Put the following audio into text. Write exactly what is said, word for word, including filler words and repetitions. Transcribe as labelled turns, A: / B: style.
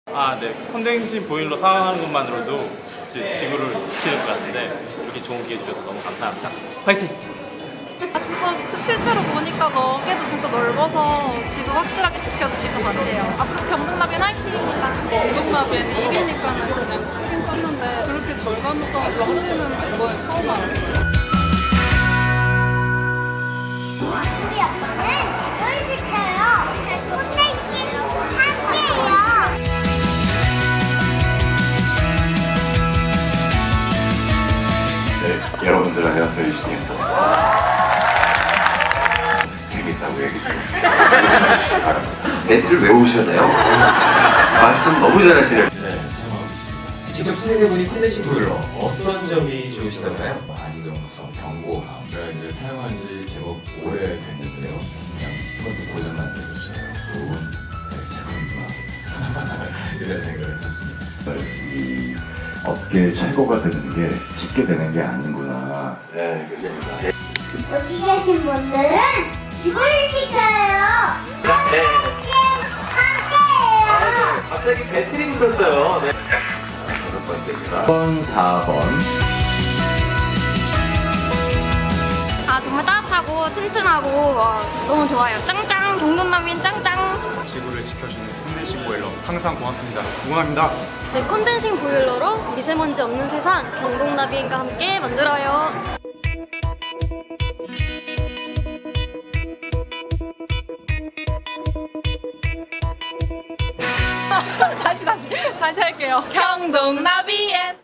A: 아, 네. 콘덴싱 보일러 상황하는 것만으로도 지, 지구를 지키는 것 같은데 이렇게 좋은 기회 주셔서 너무 감사합니다. 화이팅!
B: 아, 진짜 실제로 보니까 너게도 진짜 넓어서 지구 확실하게 지켜주실 것 같아요. 앞으로 경동나비엔 화이팅입니다.
C: 경동나비에는 일이니까는 그냥 쓰긴 썼는데 그렇게 절감했던 콘덴은 이번에 처음 알았어요.
D: 우리 아빠는 지구를 지켜요. 콘덴싱 함께해요.
E: 네, 여러분들 안녕하세요. 유진입니다. 재밌다고 얘기 좀 해주시기 바랍니다. 멘트를 외우셔야 돼요. 말씀 너무 잘하시네요.
F: 네, 사용하고 있습니다. 직접 사용해보니 콘덴싱 보일러 어떤 점이 좋으시던가요? 안정성, 견고함. 제가 이제 사용한 지 제법 오래 됐는데요. 그냥 한 번도 고장난 적이 없어요. 좋은 네, 작품이구나 이런 생각을 했었습니다.
E: 이 업계 최고가 되는 게 쉽게 되는 게 아니구나. 네, 그렇습니다.
D: 여기 계신 분들은 지구를 지켜요. 콘덴싱 함께해요.
F: 갑자기 배틀이 붙었어요. 네.
E: 다섯 번째입니다. 사 번, 사 번.
G: 아 정말 따뜻하고 튼튼하고 와, 너무 좋아요. 짱짱 경동나비엔 짱짱.
H: 지구를 지켜주는 콘덴싱 보일러 항상 고맙습니다. 응원합니다.
G: 네, 콘덴싱 보일러로 미세먼지 없는 세상 경동나비엔과 함께 만들어요.
B: 다시 다시 다시 할게요. 경동나비엔